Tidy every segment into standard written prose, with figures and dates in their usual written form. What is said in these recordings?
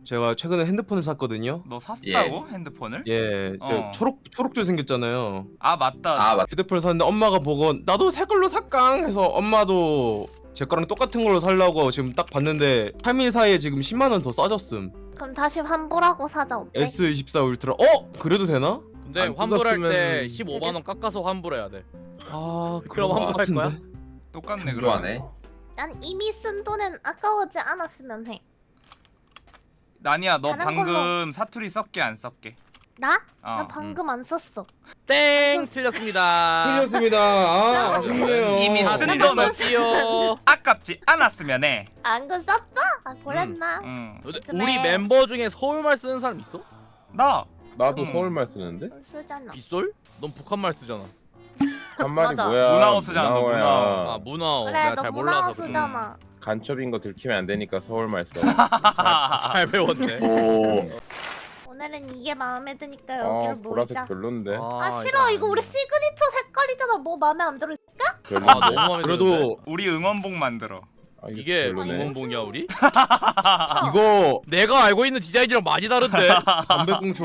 제가 최근에 핸드폰을 샀거든요. 너 샀다고? 핸드폰을? 예, 저 초록줄 생겼잖아요. 아 맞다. 아 맞. 휴대폰을 샀는데 엄마가 보고 나도 새 걸로 살깡 해서 엄마도 제 거랑 똑같은 걸로 살라고 지금 딱 봤는데 3일 사이에 지금 10만 원 더 싸졌음. 그럼 다시 환불하고 사자 어때? S24 울트라. 그래도 되나? 근데 안 환불할 때 뜯었으면- 15만 원 깎아서 환불해야 돼. 아, 그럼 환불할 거야? 똑같네 그럼. 좋아하네. 난 이미 쓴 돈은 아까워지 않았으면 해. 나니야 너 다른 방금 사투리 썼게 안 썼게? 나? 어. 나 방금 안 썼어. 땡 틀렸습니다. 틀렸습니다. 아, 아쉽네요. 이미 다 쓴 돈은 틀렸지요. 아깝지 않았으면 해. 안 그 썼어? 아 그랬나? 응. 우리 멤버 중에 서울말 쓰는 사람 있어? 나. 나도 응. 서울말 쓰는데? 쓰잖아. 빗솔? 넌 북한말 쓰잖아. 한 말이 맞아. 뭐야? 문화어 쓰잖아, 너 문화어야. 아 문화어. 그래 내가 너 잘 문화어 몰라서. 쓰잖아. 간첩인 거 들키면 안 되니까 서울말 써. 잘 배웠네. 오. 오늘은 이게 마음에 드니까 아 여기를 보라색 모이자. 별론데. 아 싫어 이거 우리 시그니처 색깔이잖아. 뭐 마음에 안 들어? 아 별론데. 너무 마음에 드는데. 그래도 우리 응원봉 만들어. 아, 이게 별로네. 응원봉이야 우리? 이거 내가 알고 있는 디자인이랑 많이 다른데. 담배꽁초.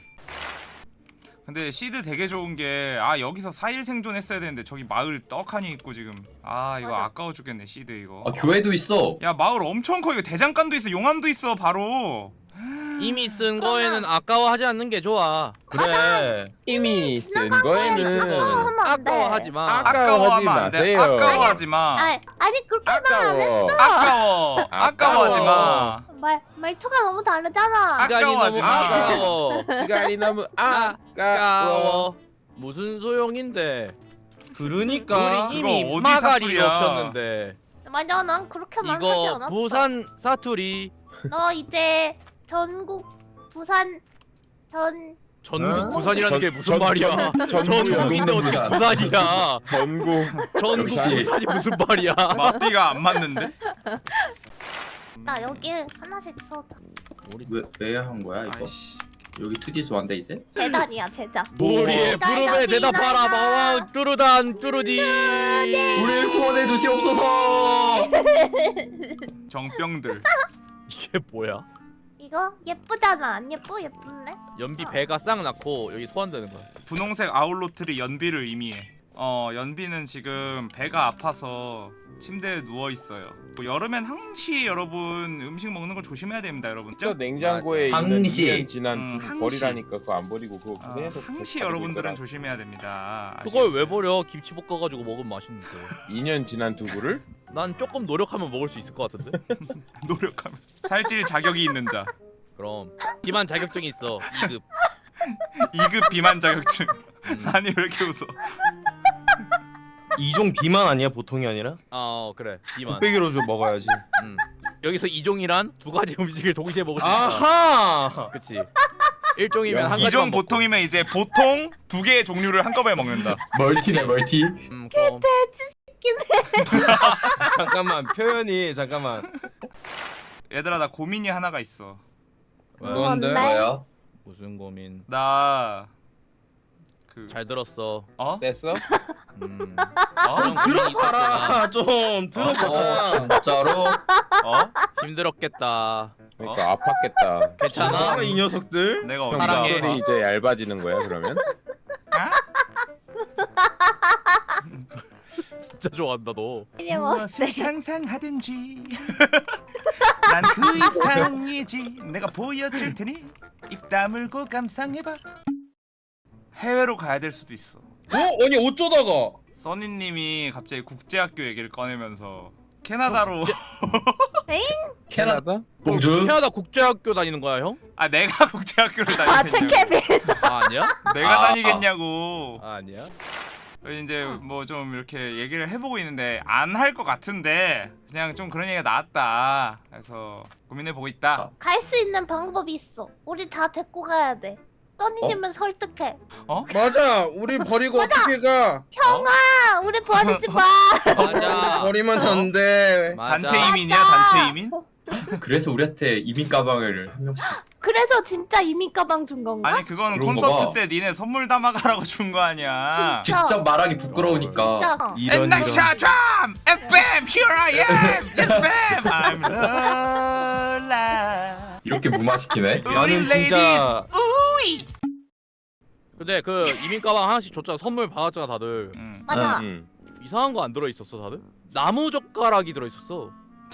근데 시드 되게 좋은 게 여기서 4일 생존했어야 되는데 저기 마을 떡하니 있고 지금 이거 맞아. 아까워 죽겠네 시드 이거. 아 교회도 있어. 야 마을 엄청 커. 이거 대장간도 있어. 용암도 있어 바로. 이미 쓴 거에는 아까워하지 않는 게 좋아. 그래. 이미 쓴 지나간 거에는 거에는 아까워하면 안 돼. 아까워하지 마. 아까워하면 안 돼. 마세요. 아까워하지 마. 아니 그렇게 말 안 했어. 아까워. 아까워하지 마. 말투가 너무 다르잖아. 시간이 아까워하지 너무 마. 아까워. 시간이 너무 아까워. 아까워. 무슨 소용인데? 그러니까 우리 그거 이미 어디 마가리 사투리야? 넣었는데. 맞아 난 그렇게 말하지 이거 않았어. 부산 사투리. 너 이제 전국 부산 전국 어? 부산이라는 게 무슨 전- 말이야? 전국이야. 전국인데 어떻게 부산. 부산이야? 전국. 전국 역시. 부산이 무슨 말이야? 맞디가 안 맞는데? 나 여기 하나씩 써다. 왜 한 거야 이거? 아이씨. 여기 2D 좋아한데 이제? 재단이야 재단. 우리의 부름에 대답하라 마왕 뚜루단 뚜루디. 우리를 구원해 주시옵소서. 정병들. 이게 뭐야? 이거 예쁘잖아. 안 예뻐? 예쁜데? 연비 배가 싹 낳고 여기 소환되는 거야. 분홍색 아울로틀이 연비를 의미해. 연비는 지금 배가 아파서 침대에 누워 있어요. 뭐 여름엔 항시 여러분 음식 먹는 거 조심해야 됩니다, 여러분. 저 냉장고에 맞아. 있는 항시. 2년 지난 두부 항시. 버리라니까 그거 안 버리고 그거 아, 계속 항시 가지고 여러분들은 있더라. 조심해야 됩니다. 그걸 왜 아시겠어요? 버려? 김치 볶아가지고 먹으면 맛있는데. 2년 지난 두부를? 난 조금 노력하면 먹을 수 있을 것 같은데. 노력하면 살찔 자격이 있는 자. 그럼 비만 자격증이 있어. 2급. 2급 비만 자격증. 아니 왜 이렇게 웃어? 이종 비만 아니야 보통이 아니라? 그래 비만. 곱빼기로 좀 먹어야지. 여기서 이종이란 두 가지 음식을 동시에 먹을 수 있다. 아하. 그치. 1종이면 한 가지만 2종 먹고. 보통이면 이제 보통 2개의 종류를 한꺼번에 먹는다. 멀티네 멀티. 그럼 잠깐만 표현이 잠깐만. 얘들아 나 고민이 하나가 있어. 뭔데? 뭐야? 무슨 고민? 나 잘 들었어. 됐어? 좀 어? 고민이 있었구나. 들어봐라 좀 들어봐. 진짜로? 어? 힘들었겠다. 그러니까 아팠겠다. 괜찮아? 이 녀석들. 내가 형 어디가 사랑해. 아파? 이 이제 얇아지는 거야 그러면? 진짜 좋아한다 너. 이게 무엇을 멋있어. 상상하든지 난 그 이상이지. 내가 보여줄 테니 입 다물고 감상해봐. 해외로 가야 될 수도 있어. 아니 어쩌다가? 써니님이 갑자기 국제학교 얘기를 꺼내면서 캐나다로 캐나다? 봉주. 캐나다 국제학교 다니는 거야 형? 내가 국제학교를 아 다니겠냐고. 체케빈. 아니야? 내가 다니겠냐고. 아니야? 이제 뭐 좀 이렇게 얘기를 해보고 있는데 안 할 것 같은데 그냥 좀 그런 얘기가 나왔다. 그래서 고민해보고 있다. 갈 수 있는 방법이 있어. 우리 다 데리고 가야 돼. 써니님은 설득해. 맞아. 우리 버리고 어떻게 가? 형아, 우리 버리지 마. 맞아. 버리면 안 돼. 맞아. 단체 이민이야 단체 이민? 그래서 우리한테 이민 가방을 한 명씩. 그래서 진짜 이민 가방 준 건가? 아니 그건 그런 거 콘서트 봐. 때 니네 선물 담아가라고 준 거 아니야. 진짜. 직접 말하기 부끄러우니까. 진짜. 이런 And 샤드람 and bam here I am. Yes bam. I'm lola. 이렇게 무마시키네. 나는 진짜 근데 그 이민 가방 하나씩 줬잖아. 선물 받았잖아 다들. 맞아. 이상한 거 안 들어 있었어 다들? 나무 젓가락이 들어 있었어.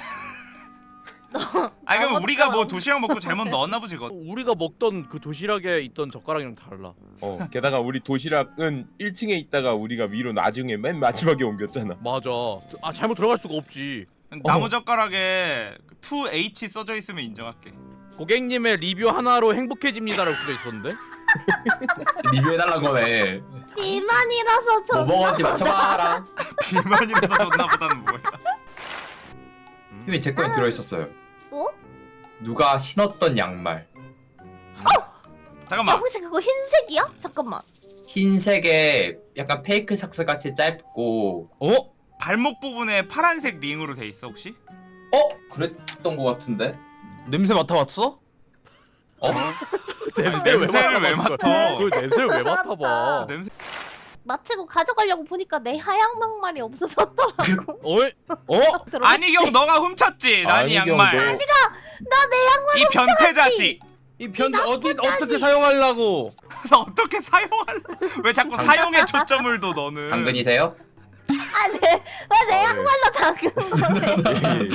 아 그럼 나무 우리가 뭐 젓가락. 도시락 먹고 잘못 넣었나 보지 그거. 우리가 먹던 그 도시락에 있던 젓가락이랑 달라. 게다가 우리 도시락은 1층에 있다가 우리가 위로 나중에 맨 마지막에 옮겼잖아. 맞아. 아 잘못 들어갈 수가 없지. 나무 젓가락에 2H 써져 있으면 인정할게. 고객님의 리뷰 하나로 행복해집니다라고 써져 있었는데. 리뷰해달란 거네. 비만이라서 뭐 먹었지 맞춰봐라. 비만이라서 줬나 보다는 뭐야. 형이 제 거에 들어있었어요. 뭐? 누가 신었던 양말. 잠깐만. 혹시 그거 흰색이야? 잠깐만. 흰색에 약간 페이크 삭스 같이 짧고. 발목 부분에 파란색 링으로 돼 있어 혹시? 그랬던 거 같은데. 냄새 맡아봤어? 냄새를 왜 맡아? 그 냄새를 왜 맡아봐? 냄새. 마치고 가져가려고 보니까 내 하얀 양말이 없어졌더라고. 어이? 안희경 너가 훔쳤지 난이 양말. 나 내 양말 이 변태 자식. 이 편 어떻게 사용하려고? 그래서 어떻게 사용할? 왜 자꾸 사용에 초점을 둬 너는? 당근이세요? 왜내 양말로 닦은 거래?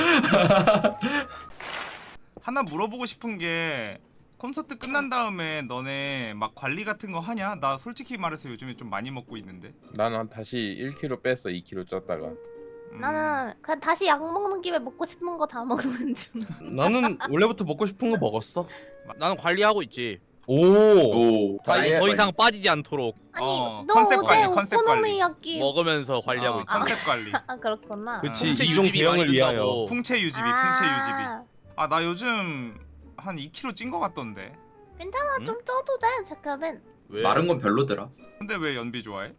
하나 물어보고 싶은 게 콘서트 끝난 다음에 너네 막 관리 같은 거 하냐? 나 솔직히 말해서 요즘에 좀 많이 먹고 있는데. 나는 다시 1kg 뺐어. 2kg 쪘다가. 나는 그냥 다시 약 먹는 김에 먹고 싶은 거 다 먹는 중. 나는 원래부터 먹고 싶은 거 먹었어. 나는 관리하고 있지. 오. 더 이상 빠지지 않도록 아니 너 컨셉 관리, 어제 컨셉 관리. 오코노미야끼 먹으면서 관리하고 있지. 컨셉 관리. 아 그렇구나. 그치 풍채 이종 유지비 대형을 많이 위하여. 든다고. 풍채 유지비, 풍채 유지비. 아 나 요즘 한 2kg 찐 거 같던데. 괜찮아 응? 좀 쪄도 돼 잠깐만. 왜? 마른 건 별로더라. 근데 왜 연비 좋아해?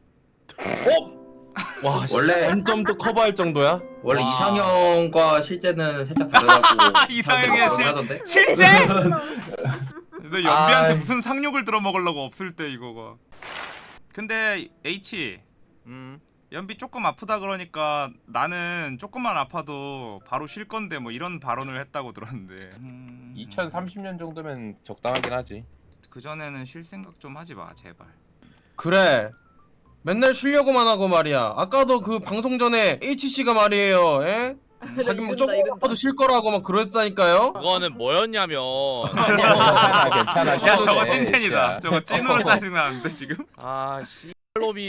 와 원래- 원점도 커버할 정도야? 원래 와. 이상형과 실제는 살짝 다르다고. 이상형의 사람들이 하던데. 실제? 너 연비한테 아이. 무슨 상욕을 들어먹으려고 없을 때 이거가. 근데 H 연비 조금 아프다 그러니까 나는 조금만 아파도 바로 쉴 건데 뭐 이런 발언을 했다고 들었는데. 2030년 정도면 적당하긴 하지. 그 전에는 쉴 생각 좀 하지 마 제발. 그래. 맨날 쉬려고만 하고 말이야. 아까도 그 방송 전에 HC가 말이에요. 에? 자기 막 조금 아파도 쉴 거라고 막 그랬다니까요. 그거는 뭐였냐면 괜찮아. 야 쉬어도 저거 돼, 찐텐이다. 진짜. 저거 찐으로 짜증나는데 지금? 아 씨발놈이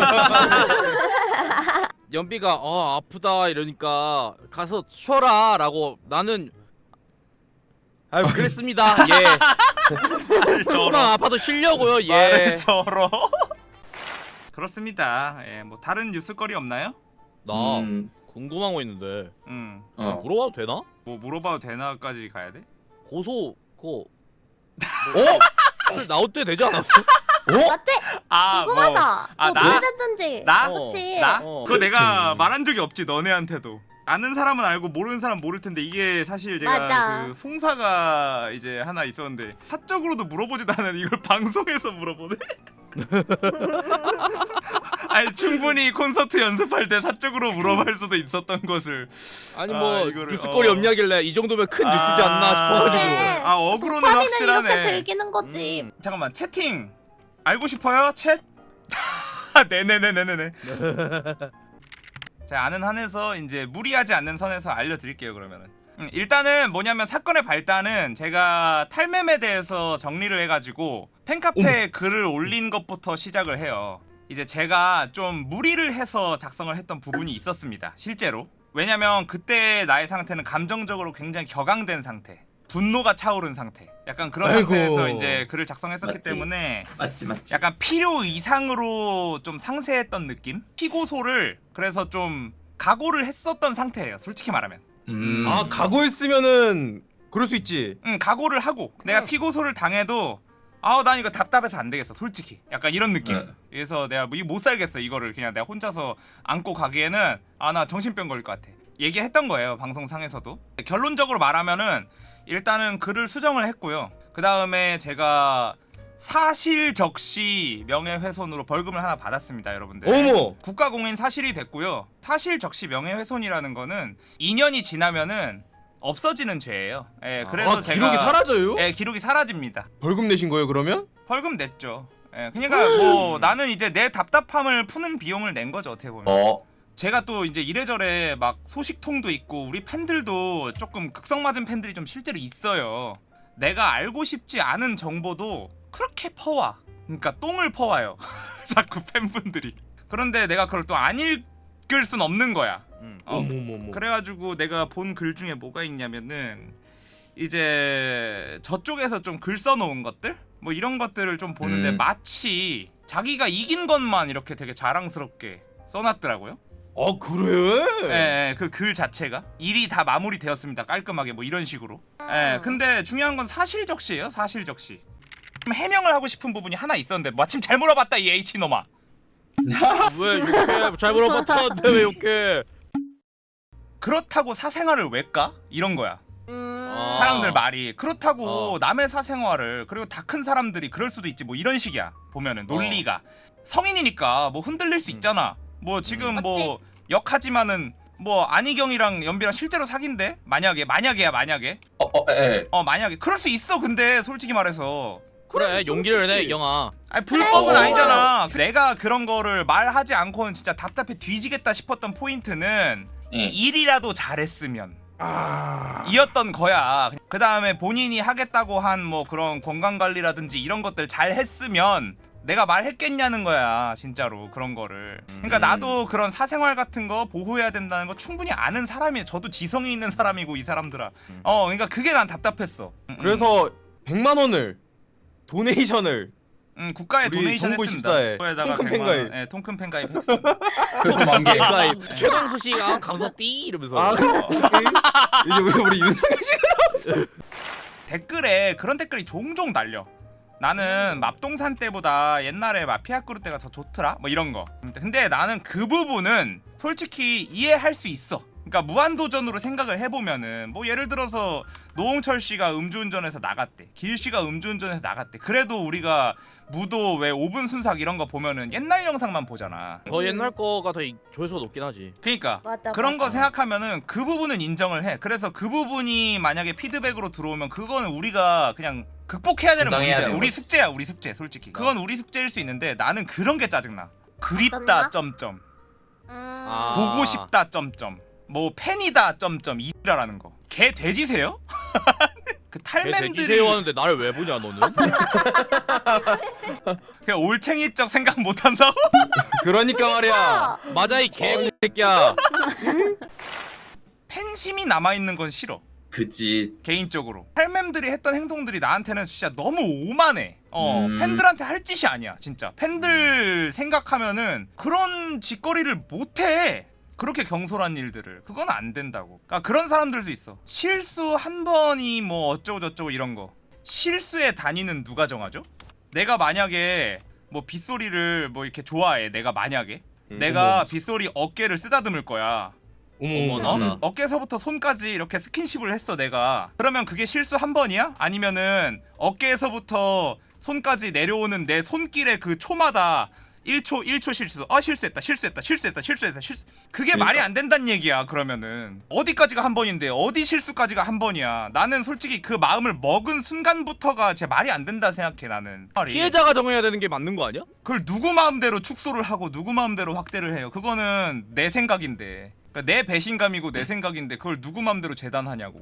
연비가 아프다 이러니까 가서 쉬어라 라고 나는 아유 그랬습니다. 예. 조금만 아파도 쉬려고요. 예. 말을 저러. 그렇습니다. 예, 뭐 다른 뉴스거리 없나요? 나 궁금한 거 있는데 물어봐도 되나? 뭐 물어봐도 되나까지 가야 돼? 고소 그거 술 나올 때 되지 않았어? 어때? 아, 궁금하다. 아, 뭐 나? 어떻게 됐든지. 나? 그치? 나? 어. 그거 내가 말한 적이 없지 너네한테도. 아는 사람은 알고 모르는 사람 모를 텐데 이게 사실 제가 맞아. 그 송사가 이제 하나 있었는데 사적으로도 물어보지도 않은 이걸 방송에서 물어보네. 아니 충분히 콘서트 연습할 때 사적으로 물어볼 수도 있었던 것을. 아니 뭐 이거를, 뉴스거리 없냐길래 이 정도면 큰 뉴스지 않나 싶어가지고. 그래. 아 어그로는 파리는 확실하네. 이렇게 즐기는 거지. 잠깐만 채팅 알고 싶어요? 챗? 네네네네네. 자 아는 한에서 이제 무리하지 않는 선에서 알려드릴게요 그러면은. 일단은 뭐냐면 사건의 발단은 제가 탈매에 대해서 정리를 해가지고 팬카페에 글을 올린 것부터 시작을 해요. 이제 제가 좀 무리를 해서 작성을 했던 부분이 있었습니다 실제로. 왜냐면 그때 나의 상태는 감정적으로 굉장히 격앙된 상태, 분노가 차오른 상태, 약간 그런 아이고. 상태에서 이제 글을 작성했었기 맞지. 때문에 맞지. 약간 필요 이상으로 좀 상세했던 느낌? 피고소를 그래서 좀 각오를 했었던 상태예요 솔직히 말하면. 아 각오했으면은 그럴 수 있지. 각오를 하고 내가 피고소를 당해도 난 이거 답답해서 안 되겠어 솔직히 약간 이런 느낌. 네. 그래서 내가 뭐 이거 못 살겠어 이거를 그냥 내가 혼자서 안고 가기에는 나 정신병 걸릴 것 같아 얘기했던 거예요 방송상에서도. 결론적으로 말하면은 일단은 글을 수정을 했고요. 그 다음에 제가 사실적시 명예훼손으로 벌금을 하나 받았습니다 여러분들. 어머. 국가공인 사실이 됐고요. 사실적시 명예훼손이라는 거는 2년이 지나면은 없어지는 죄예요. 예, 그래서 제가 기록이 사라져요? 예, 기록이 사라집니다. 벌금 내신 거예요 그러면? 벌금 냈죠. 예, 그러니까 뭐 나는 이제 내 답답함을 푸는 비용을 낸 거죠 어떻게 보면. 제가 또 이제 이래저래 막 소식통도 있고 우리 팬들도 조금 극성 맞은 팬들이 좀 실제로 있어요. 내가 알고 싶지 않은 정보도 그렇게 퍼와. 그러니까 똥을 퍼와요. 자꾸 팬분들이. 그런데 내가 그걸 또 안 읽을 순 없는 거야. 어머머머. 그래가지고 내가 본 글 중에 뭐가 있냐면은 이제 저쪽에서 좀 글 써놓은 것들? 뭐 이런 것들을 좀 보는데 마치 자기가 이긴 것만 이렇게 되게 자랑스럽게 써놨더라고요. 그래? 예, 그 글 자체가 일이 다 마무리되었습니다. 깔끔하게 뭐 이런 식으로. 예, 근데 중요한 건 사실적시예요. 사실적시. 해명을 하고 싶은 부분이 하나 있었는데 마침 잘 물어봤다 이 H놈아. 왜 욕해? 잘 물어봤다는데 왜 욕해? 그렇다고 사생활을 왜 까? 이런 거야. 사람들 말이 그렇다고 남의 사생활을 그리고 다 큰 사람들이 그럴 수도 있지 뭐 이런 식이야. 보면은 논리가 성인이니까 뭐 흔들릴 수 있잖아. 뭐 지금 뭐 역하지만은 뭐 안희경이랑 연비랑 실제로 사귄대? 만약에 만약에 그럴 수 있어. 근데 솔직히 말해서 그래 용기를 내 영아. 아니 불법은 아니잖아. 내가 그런 거를 말하지 않고는 진짜 답답해 뒤지겠다 싶었던 포인트는 일이라도 잘했으면 이었던 거야. 그 다음에 본인이 하겠다고 한 뭐 그런 건강관리라든지 이런 것들 잘 했으면 내가 말했겠냐는 거야 진짜로 그런 거를. 그러니까 나도 그런 사생활 같은 거 보호해야 된다는 거 충분히 아는 사람이에요. 저도 지성이 있는 사람이고 이 사람들아. 그러니까 그게 난 답답했어. 그래서 100만 원을 도네이션을 국가에 우리 도네이션 정부 했습니다. 집사에 그거에다가 통큰 100만 원, 팬가입. 예, 통큰 팬가입 했습니다. 가입 최강수 씨가 감사띠 이러면서. 이제 우리 윤상현 씨가 댓글에 그런 댓글이 종종 달려. 나는 맙동산 때보다 옛날에 마피아 그룹 때가 더 좋더라 뭐 이런 거. 근데 나는 그 부분은 솔직히 이해할 수 있어. 그러니까 무한도전으로 생각을 해보면은 뭐 예를 들어서 노홍철 씨가 음주운전해서 나갔대, 길 씨가 음주운전해서 나갔대. 그래도 우리가 무도 왜 5분 순삭 이런 거 보면은 옛날 영상만 보잖아. 더 옛날 거가 더 조회수가 높긴 하지. 그러니까 맞아, 그런 거 맞아. 생각하면은 그 부분은 인정을 해. 그래서 그 부분이 만약에 피드백으로 들어오면 그거는 우리가 그냥 극복해야 되는 감당해야 문제야. 되는 우리 거지. 숙제야, 우리 숙제. 솔직히 그건 우리 숙제일 수 있는데 나는 그런 게 짜증나. 그립다 어떤가? 점점 아. 보고 싶다 점점 뭐 팬이다 점점 이라라는 거. 개 돼지세요? 그 탈맨들이 돼지세요 하는데 나를 왜 보냐 너는? 그냥 올챙이적 생각 못 한다고? 그러니까 말이야. 맞아 이 개새끼야. 팬심이 남아 있는 건 싫어. 그치. 개인적으로 탈맨들이 했던 행동들이 나한테는 진짜 너무 오만해. 팬들한테 할 짓이 아니야 진짜. 팬들 생각하면은 그런 짓거리를 못해. 그렇게 경솔한 일들을. 그건 안 된다고. 그러니까 그런 사람들도 있어. 실수 한 번이 뭐 어쩌고 저쩌고 이런 거. 실수의 단위는 누가 정하죠? 내가 만약에 뭐 빗소리를 뭐 이렇게 좋아해. 내가 만약에 내가 빗소리 어깨를 쓰다듬을 거야. 어머나. 어깨에서부터 손까지 이렇게 스킨십을 했어 내가. 그러면 그게 실수 한 번이야? 아니면은 어깨에서부터 손까지 내려오는 내 손길의 그 초마다 1초 실수. 실수했다. 그게 그러니까. 말이 안 된다는 얘기야. 그러면은 어디까지가 한 번인데 어디 실수까지가 한 번이야. 나는 솔직히 그 마음을 먹은 순간부터가 제 말이 안 된다 생각해. 나는 피해자가 정해야 되는 게 맞는 거 아니야? 그걸 누구 마음대로 축소를 하고 누구 마음대로 확대를 해요. 그거는 내 생각인데, 그러니까 내 배신감이고 내 생각인데 그걸 누구 마음대로 재단하냐고.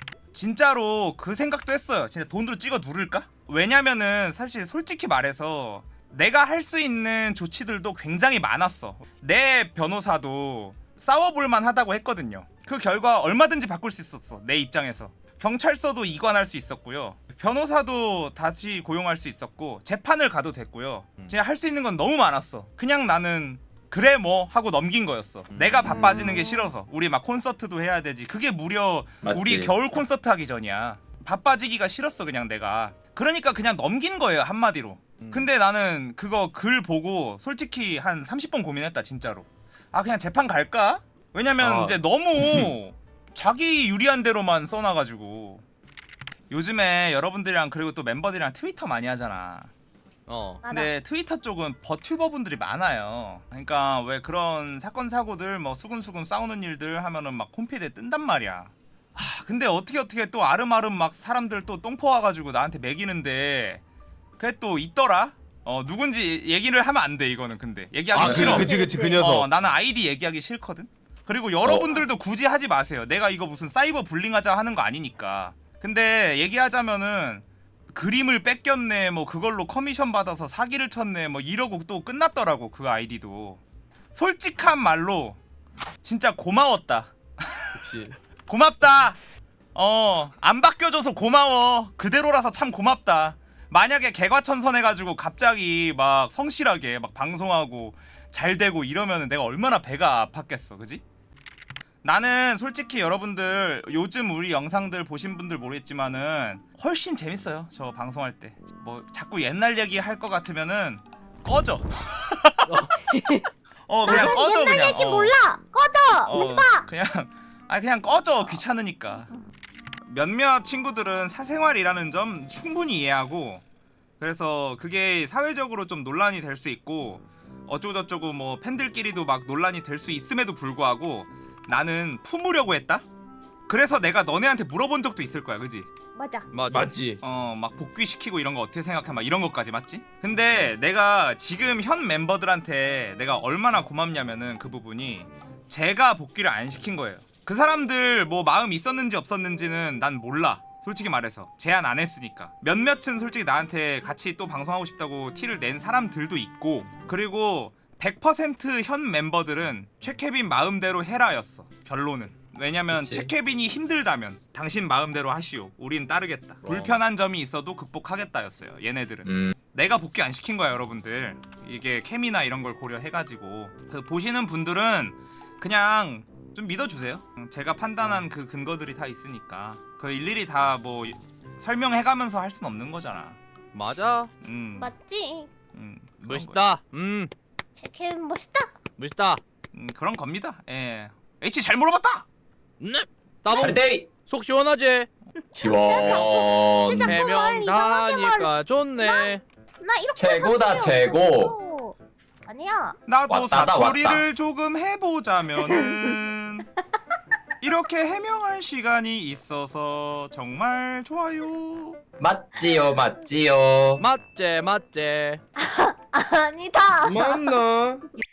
진짜로 그 생각도 했어요. 진짜 돈으로 찍어 누를까? 왜냐면은 사실 솔직히 말해서 내가 할 수 있는 조치들도 굉장히 많았어. 내 변호사도 싸워볼만 하다고 했거든요. 그 결과 얼마든지 바꿀 수 있었어. 내 입장에서. 경찰서도 이관할 수 있었고요. 변호사도 다시 고용할 수 있었고 재판을 가도 됐고요. 진짜 할 수 있는 건 너무 많았어. 그냥 나는 그래 뭐 하고 넘긴 거였어. 내가 바빠지는 게 싫어서. 우리 막 콘서트도 해야 되지. 그게 무려 맞지. 우리 겨울 콘서트 하기 전이야. 바빠지기가 싫었어 그냥 내가. 그러니까 그냥 넘긴 거예요 한마디로. 근데 나는 그거 글 보고 솔직히 한 30번 고민했다 진짜로. 그냥 재판 갈까? 왜냐면 이제 너무 자기 유리한 대로만 써놔가지고. 요즘에 여러분들이랑 그리고 또 멤버들이랑 트위터 많이 하잖아. 근데 트위터 쪽은 버튜버 분들이 많아요. 그러니까 왜 그런 사건 사고들 뭐 수근수근 싸우는 일들 하면은 막 홈피드에 뜬단 말이야. 근데 어떻게 또 아름아름 막 사람들 또 똥포 와가지고 나한테 매기는데 그게 또 있더라. 누군지 얘기를 하면 안 돼 이거는. 근데 얘기하기 싫어. 그치 그 녀석. 나는 아이디 얘기하기 싫거든. 그리고 여러분들도 굳이 하지 마세요. 내가 이거 무슨 사이버 불링하자 하는 거 아니니까. 근데 얘기하자면은 그림을 뺏겼네, 뭐 그걸로 커미션 받아서 사기를 쳤네, 뭐 이러고 또 끝났더라고 그 아이디도. 솔직한 말로 진짜 고마웠다. 그치. 고맙다. 안 바뀌어줘서 고마워. 그대로라서 참 고맙다. 만약에 개과천선해가지고 갑자기 막 성실하게 막 방송하고 잘 되고 이러면은 내가 얼마나 배가 아팠겠어, 그지? 나는 솔직히 여러분들 요즘 우리 영상들 보신 분들 모르겠지만은 훨씬 재밌어요. 저 방송할 때. 뭐 자꾸 옛날 얘기 할 것 같으면은 꺼져. 그냥 꺼져. 옛날 그냥 얘기 몰라. 꺼져. 오지 마. 그냥 꺼져. 귀찮으니까. 몇몇 친구들은 사생활이라는 점 충분히 이해하고, 그래서 그게 사회적으로 좀 논란이 될 수 있고 어쩌고저쩌고 뭐 팬들끼리도 막 논란이 될 수 있음에도 불구하고 나는 품으려고 했다? 그래서 내가 너네한테 물어본 적도 있을 거야, 그지? 맞아. 맞지. 막 복귀시키고 이런 거 어떻게 생각해? 막 이런 것까지 맞지? 근데 내가 지금 현 멤버들한테 내가 얼마나 고맙냐면은 그 부분이 제가 복귀를 안 시킨 거예요. 그 사람들 뭐 마음 있었는지 없었는지는 난 몰라. 솔직히 말해서 제안 안 했으니까. 몇몇은 솔직히 나한테 같이 또 방송하고 싶다고 티를 낸 사람들도 있고, 그리고 100% 현 멤버들은 최케빈 마음대로 해라였어. 결론은. 왜냐면 그치. 최케빈이 힘들다면 당신 마음대로 하시오. 우린 따르겠다. 불편한 점이 있어도 극복하겠다였어요. 얘네들은. 내가 복귀 안 시킨 거야, 여러분들. 이게 케미나 이런 걸 고려해가지고. 그 보시는 분들은 그냥 좀 믿어주세요. 제가 판단한 그 근거들이 다 있으니까. 그 일일이 다 뭐 설명해가면서 할 순 없는 거잖아. 맞아. 맞지. 그런 멋있다. 제케빈 멋있다. 멋있다. 그런 겁니다. 예. H 잘 물어봤다. 네. 따봉. 잘대리 속 시원하지. 지원. 진짜 말 해명 이상하게 다니까 좋네. 나 이렇게 최고다, 사투리 최고. 없었어. 아니야. 나도 왔다다, 사투리를 왔다. 조금 해보자면은 이렇게 해명할 시간이 있어서 정말 좋아요. 맞지요, 맞지요. 맞제. 아니다. 맞나?